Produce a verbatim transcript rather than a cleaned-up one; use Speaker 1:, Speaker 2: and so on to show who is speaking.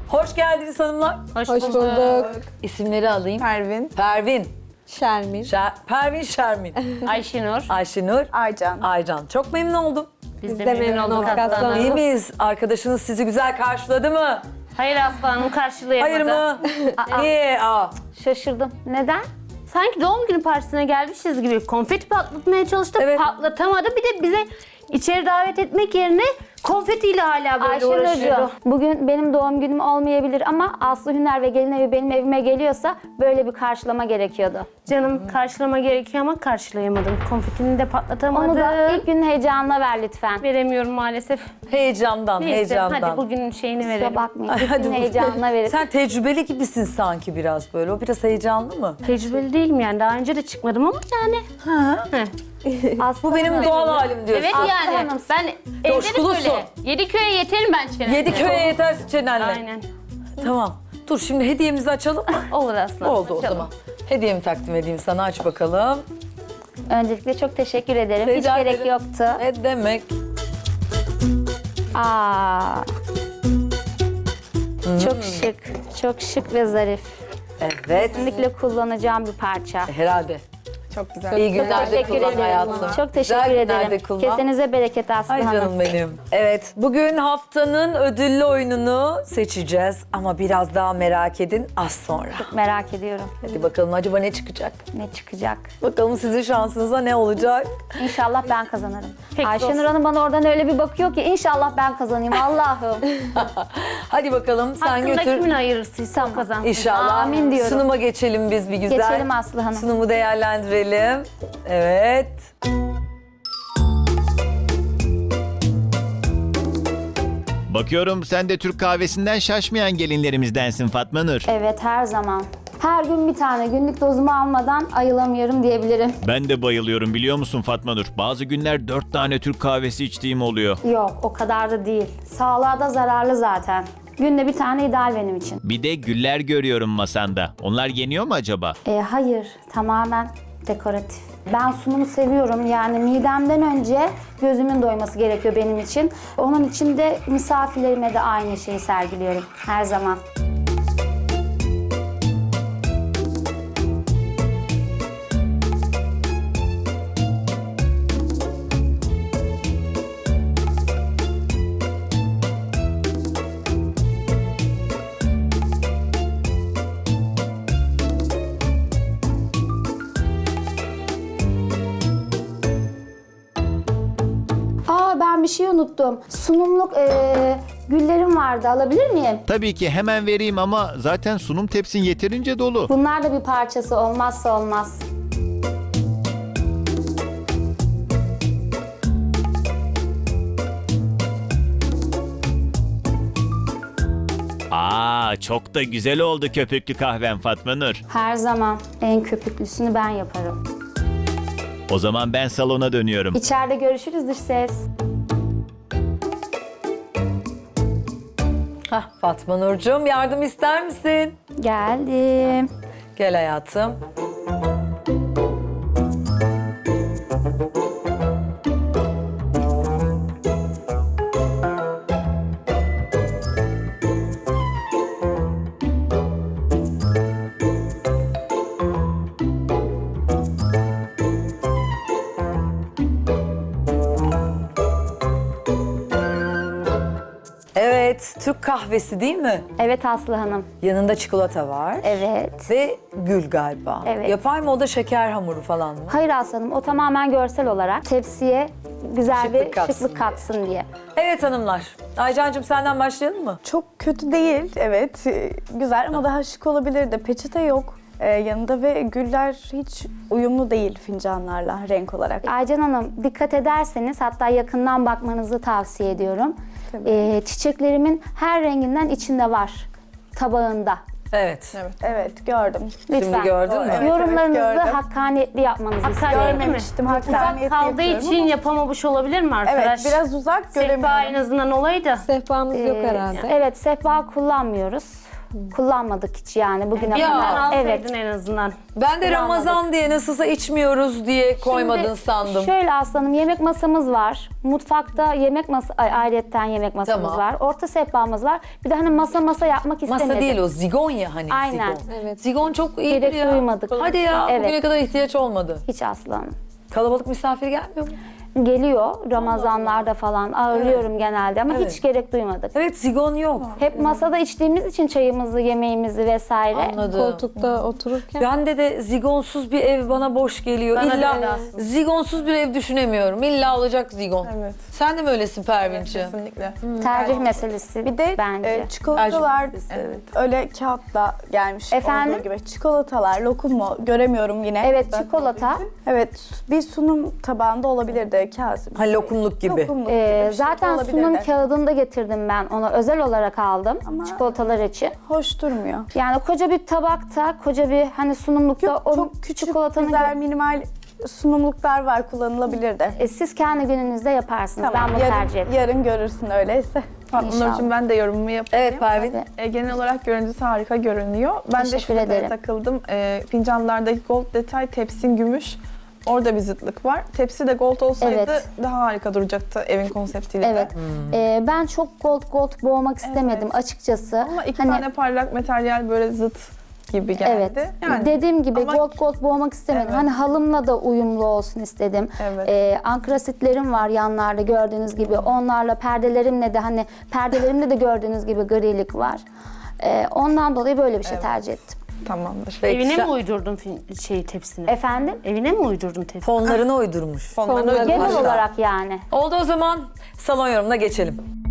Speaker 1: Hoş geldiniz hanımlar.
Speaker 2: Hoş,
Speaker 3: Hoş bulduk.
Speaker 1: İsimleri alayım.
Speaker 3: Pervin,
Speaker 1: Pervin.
Speaker 3: Şermin,
Speaker 1: Şer Pervin Şermin.
Speaker 2: Ayşenur.
Speaker 1: Ayşenur.
Speaker 3: Aycan.
Speaker 1: Aycan. Çok memnun oldum.
Speaker 2: Biz,
Speaker 3: de
Speaker 2: de memnun
Speaker 3: memnun
Speaker 2: olduk
Speaker 3: olduk
Speaker 2: aslanım.
Speaker 1: İyi miyiz? Arkadaşınız sizi güzel karşıladı mı?
Speaker 2: Hayır aslanım karşılayamadı.
Speaker 1: Hayır mı? Niye? Aa.
Speaker 2: Şaşırdım. Neden? Sanki doğum günü partisine gelmişiz gibi konfeti patlatmaya çalıştı.
Speaker 1: Evet.
Speaker 2: Patlatamadı. Bir de bize içeri davet etmek yerine konfetiyle hala böyle uğraşıyordu.
Speaker 4: Ayşenurcuğum, bugün benim doğum günüm olmayabilir ama Aslı Hüner ve gelin evi benim evime geliyorsa böyle bir karşılama gerekiyordu.
Speaker 2: Canım karşılama gerekiyor ama karşılayamadım. Konfetini de patlatamadım.
Speaker 4: Onu da ilk günün heyecanına ver lütfen.
Speaker 2: veremiyorum maalesef.
Speaker 1: Heyecandan,
Speaker 2: Neyse
Speaker 1: heyecandan.
Speaker 2: hadi bugünün şeyini verelim.
Speaker 4: Kusura bakmayın. İlk
Speaker 1: Hadi
Speaker 4: günün
Speaker 1: bu-
Speaker 4: heyecanına verin.
Speaker 1: Sen tecrübeli gibisin sanki biraz böyle. O biraz heyecanlı mı?
Speaker 2: Tecrübeli değilim yani. Daha önce de çıkmadım ama yani.
Speaker 1: Ha.
Speaker 2: Heh.
Speaker 4: Aslı
Speaker 1: Bu benim
Speaker 4: Hanım,
Speaker 1: doğal halim diyorsun.
Speaker 2: Evet
Speaker 4: Aslı
Speaker 2: yani.
Speaker 4: Hanım,
Speaker 2: Ben evde de
Speaker 1: coşkulusun.
Speaker 2: böyle. Yediköy'e yeterim ben çenemde.
Speaker 1: Yedi köye yeter çenenle.
Speaker 2: Aynen.
Speaker 1: Tamam. Dur şimdi hediyemizi açalım mı?
Speaker 2: Olur aslanım.
Speaker 1: Oldu o
Speaker 2: Açalım.
Speaker 1: zaman. Hediyemi takdim edeyim sana, aç bakalım.
Speaker 4: Öncelikle çok teşekkür ederim.
Speaker 1: Rica
Speaker 4: Hiç gerek
Speaker 1: ederim.
Speaker 4: yoktu.
Speaker 1: Ne demek?
Speaker 4: Aa. Çok şık, çok şık ve zarif.
Speaker 1: Evet.
Speaker 4: Kesinlikle kullanacağım bir parça.
Speaker 1: Herhalde.
Speaker 3: Çok güzel.
Speaker 1: İyi günlerde
Speaker 4: Teşekkür
Speaker 1: kullan
Speaker 4: ederim.
Speaker 1: hayatım.
Speaker 4: Çok teşekkür
Speaker 1: Güzel günlerde
Speaker 4: ederim.
Speaker 1: kullan.
Speaker 4: Kesenize bereket Aslı
Speaker 1: Ay
Speaker 4: Hanım.
Speaker 1: canım benim. Evet, bugün haftanın ödüllü oyununu seçeceğiz. Ama biraz daha merak edin az sonra.
Speaker 4: Merak ediyorum
Speaker 1: Hadi bakalım acaba ne çıkacak?
Speaker 4: ne çıkacak.
Speaker 1: Bakalım sizin şansınıza ne olacak?
Speaker 4: İnşallah ben kazanırım.
Speaker 2: Peki,
Speaker 4: Ayşenur
Speaker 2: olsun.
Speaker 4: Hanım bana oradan öyle bir bakıyor ki inşallah ben kazanayım Allah'ım.
Speaker 1: Hadi bakalım sen
Speaker 2: Hakkında
Speaker 1: götür.
Speaker 2: kimin ayırırsıysa o kazansın.
Speaker 1: İnşallah.
Speaker 4: Amin diyorum.
Speaker 1: Sunuma geçelim biz bir güzel.
Speaker 4: Geçelim Aslı Hanım.
Speaker 1: Sunumu değerlendirelim. Evet.
Speaker 5: Bakıyorum sen de Türk kahvesinden şaşmayan gelinlerimizdensin Fatma Nur.
Speaker 4: Evet her zaman. Her gün bir tane günlük dozumu almadan ayılamıyorum diyebilirim.
Speaker 5: Ben de bayılıyorum biliyor musun Fatma Nur? Bazı günler dört tane Türk kahvesi içtiğim oluyor.
Speaker 4: Yok o kadar da değil. Sağlığa da zararlı zaten. Günde bir tane ideal benim için.
Speaker 5: Bir de güller görüyorum masanda. Onlar yeniyor mu acaba?
Speaker 4: E, hayır tamamen dekoratif. Ben sunumu seviyorum yani midemden önce gözümün doyması gerekiyor benim için. Onun için de misafirlerime de aynı şeyi sergiliyorum her zaman. Aa ben bir şey unuttum. Sunumluk e, güllerim vardı alabilir miyim?
Speaker 5: Tabii ki hemen vereyim ama zaten sunum tepsin yeterince dolu.
Speaker 4: Bunlar da bir parçası olmazsa olmaz.
Speaker 5: Aa, çok da güzel oldu köpüklü kahven Fatma Nur.
Speaker 4: Her zaman en köpüklüsünü ben yaparım.
Speaker 5: O zaman ben salona dönüyorum.
Speaker 4: İçeride görüşürüz dış ses.
Speaker 1: Hah, Fatma Nurcuğum yardım ister misin?
Speaker 4: Geldim.
Speaker 1: Gel hayatım. Evet, Türk kahvesi değil mi?
Speaker 4: Evet Aslı Hanım.
Speaker 1: Yanında çikolata var.
Speaker 4: Evet.
Speaker 1: Ve gül galiba.
Speaker 4: Evet.
Speaker 1: Yapay mı o da şeker hamuru falan mı?
Speaker 4: Hayır Aslı Hanım o tamamen görsel olarak tepsiye güzel
Speaker 1: Şıklık
Speaker 4: bir
Speaker 1: katsın
Speaker 4: şıklık
Speaker 1: diye.
Speaker 4: katsın diye.
Speaker 1: Evet hanımlar. Aycancığım senden başlayalım mı?
Speaker 3: Çok kötü değil, evet. Ee, Güzel ama daha şık olabilirdi. Peçete yok ee, yanında ve güller hiç uyumlu değil fincanlarla renk olarak.
Speaker 4: Aycan Hanım dikkat ederseniz hatta yakından bakmanızı tavsiye ediyorum.
Speaker 3: Tabii.
Speaker 4: Ee, çiçeklerimin her renginden içinde var tabağında.
Speaker 1: Evet.
Speaker 3: Evet, evet gördüm.
Speaker 4: Lütfen.
Speaker 1: gördün mü?
Speaker 3: Evet,
Speaker 4: Yorumlarınızı
Speaker 3: evet, gördüm.
Speaker 4: hakkaniyetli yapmanızı istiyorum.
Speaker 2: Hakkaniyetli mi?
Speaker 3: Görmemiştim,
Speaker 2: Uzak
Speaker 3: hakkaniyetli
Speaker 2: kaldığı
Speaker 3: yapıyorum
Speaker 2: için
Speaker 3: ama-
Speaker 2: yapamamış olabilir mi arkadaş?
Speaker 3: Evet, biraz uzak
Speaker 2: Sehpa en
Speaker 3: göremiyorum.
Speaker 2: azından olaydı.
Speaker 6: Sehpamız yok
Speaker 4: Ee,
Speaker 6: herhalde.
Speaker 4: Evet sehpa kullanmıyoruz. Kullanmadık hiç yani bugüne
Speaker 1: Ya.
Speaker 4: kadar. Evet.
Speaker 2: Alsaydın en azından.
Speaker 1: Ben de Ramazan diye nasılsa içmiyoruz diye koymadın
Speaker 4: Şimdi
Speaker 1: sandım.
Speaker 4: Şöyle aslanım, yemek masamız var. Mutfakta yemek masa, ay, ayrıyetten yemek masamız
Speaker 1: Tamam.
Speaker 4: var. Orta sehpamız var. Bir de hani masa masa yapmak istemedim.
Speaker 1: Masa değil o, zigon ya hani.
Speaker 4: Aynen.
Speaker 1: Zigon.
Speaker 2: Evet.
Speaker 1: Zigon çok iyi
Speaker 4: Gerek
Speaker 1: ya.
Speaker 4: duymadık.
Speaker 1: Hadi ya,
Speaker 4: Evet.
Speaker 1: bugüne kadar ihtiyaç olmadı.
Speaker 4: Hiç aslanım.
Speaker 1: Kalabalık misafir gelmiyor mu?
Speaker 4: Geliyor Ramazanlarda falan ağırlıyorum genelde ama
Speaker 1: Evet.
Speaker 4: hiç gerek duymadık.
Speaker 1: Evet, zigon yok.
Speaker 4: Hep masada içtiğimiz için çayımızı, yemeğimizi vesaire.
Speaker 1: Anladım.
Speaker 2: Koltukta otururken.
Speaker 1: Bende de zigonsuz bir ev bana boş geliyor.
Speaker 2: Bana da
Speaker 1: İlla
Speaker 2: öyle aslında.
Speaker 1: zigonsuz bir ev düşünemiyorum. İlla olacak zigon.
Speaker 6: Evet.
Speaker 1: Sen de mi öylesin Pervin'ciğim?
Speaker 6: Kesinlikle.
Speaker 4: Tercih meselesi
Speaker 3: Bir de
Speaker 4: bence.
Speaker 3: e, çikolatalar
Speaker 1: Evet.
Speaker 3: öyle kağıtla gelmiş
Speaker 4: Efendim?
Speaker 3: olduğu gibi. Çikolatalar, lokum mu? Göremiyorum yine.
Speaker 4: Evet, çikolata.
Speaker 3: Evet, bir sunum tabağında olabilirdi Kazım.
Speaker 1: Ha, lokumluk gibi.
Speaker 3: Lokumluk
Speaker 4: Ee,
Speaker 3: gibi bir şey
Speaker 4: zaten
Speaker 3: olabilirdi.
Speaker 4: sunum kağıdını da getirdim ben ona. Özel olarak aldım
Speaker 3: Ama-
Speaker 4: çikolatalar için.
Speaker 3: Hoş durmuyor.
Speaker 4: Yani koca bir tabakta, koca bir hani sunumlukta
Speaker 3: Yok,
Speaker 4: o
Speaker 3: çok küçük,
Speaker 4: çikolatanın...
Speaker 3: güzel, minimal sunumluklar var, kullanılabilirdi.
Speaker 4: E, siz kendi gününüzde yaparsınız. ben bunu tercih
Speaker 3: yarın,
Speaker 4: ederim.
Speaker 3: yarın görürsün öyleyse.
Speaker 6: Fatma
Speaker 4: İnşallah.
Speaker 6: Nurcuğum, ben de yorumumu yapayım.
Speaker 1: Evet Pervin.
Speaker 4: Tabii.
Speaker 6: E, genel olarak görüntüsü harika görünüyor. Ben de
Speaker 4: Teşekkür
Speaker 6: şurada
Speaker 4: ederim.
Speaker 6: takıldım. E, fincanlardaki gold detay, tepsin gümüş. Orada bir zıtlık var. Tepsi de gold olsaydı
Speaker 4: Evet.
Speaker 6: daha harika duracaktı evin konseptiyle
Speaker 4: Evet.
Speaker 6: de.
Speaker 4: Ee, ben çok gold gold boğmak istemedim açıkçası.
Speaker 6: Ama iki
Speaker 4: Hani-
Speaker 6: tane parlak materyal böyle zıt gibi geldi.
Speaker 4: Evet.
Speaker 6: Yani
Speaker 4: Dediğim gibi
Speaker 6: ama-
Speaker 4: gold gold boğmak istemedim.
Speaker 6: Evet.
Speaker 4: Hani halımla da uyumlu olsun istedim.
Speaker 6: Evet.
Speaker 4: Ee, ankrasitlerim var yanlarda gördüğünüz gibi. Onlarla perdelerimle de hani perdelerimde de gördüğünüz gibi grilik var. Ee, ondan dolayı böyle bir şey tercih ettim.
Speaker 6: tamamdır.
Speaker 1: Peki,
Speaker 2: Evine
Speaker 1: sen-
Speaker 2: mi uydurdun fin- şey tepsini?
Speaker 4: Efendim?
Speaker 2: Evine mi uydurdun tepsini?
Speaker 1: Fonlarını uydurmuş.
Speaker 6: Fonlarını
Speaker 4: Genel
Speaker 6: ödül-
Speaker 4: olarak yani.
Speaker 1: Oldu, o zaman salon yorumuna geçelim.